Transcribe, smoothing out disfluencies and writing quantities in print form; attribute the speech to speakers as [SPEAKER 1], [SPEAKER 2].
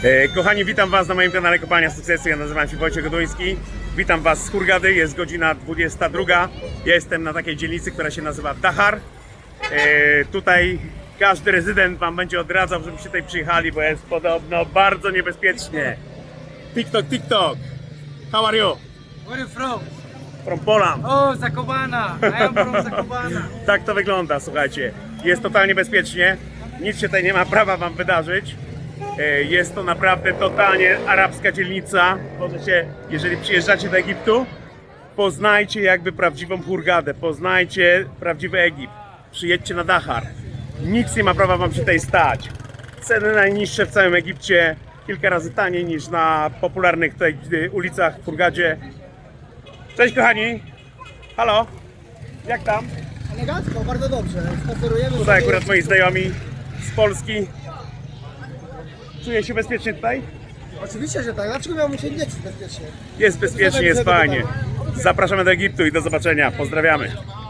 [SPEAKER 1] Kochani, witam Was na moim kanale Kopalnia Sukcesu. Ja nazywam się Wojciech Goduński. Witam Was z Hurgady, jest godzina 22. Ja jestem na takiej dzielnicy, która się nazywa Dahar. Tutaj każdy rezydent Wam będzie odradzał, żebyście tutaj przyjechali, bo jest podobno bardzo niebezpiecznie. TikTok. How are you?
[SPEAKER 2] Where are you from?
[SPEAKER 1] From Poland.
[SPEAKER 2] Oh, Zakopana. I am from Zakopana.
[SPEAKER 1] Tak to wygląda, słuchajcie. Jest totalnie bezpiecznie. Nic się tutaj nie ma prawa Wam wydarzyć. Jest to naprawdę totalnie arabska dzielnica. Możecie, jeżeli przyjeżdżacie do Egiptu, poznajcie jakby prawdziwą Hurgadę, poznajcie prawdziwy Egipt. Przyjedźcie na Dahar. Nic nie ma prawa Wam się tutaj stać. Ceny najniższe w całym Egipcie, kilka razy taniej niż na popularnych tutaj ulicach w Hurgadzie. Cześć kochani! Halo! Jak tam?
[SPEAKER 3] Elegancko, bardzo dobrze. Spacerujemy
[SPEAKER 1] Tutaj
[SPEAKER 3] sobie.
[SPEAKER 1] akurat moi znajomi z Polski. Czuję się bezpiecznie tutaj?
[SPEAKER 3] Oczywiście, że tak. Dlaczego miałbym się nie czuć bezpiecznie?
[SPEAKER 1] Jest bezpiecznie, jest fajnie. Zapraszamy do Egiptu i do zobaczenia. Pozdrawiamy.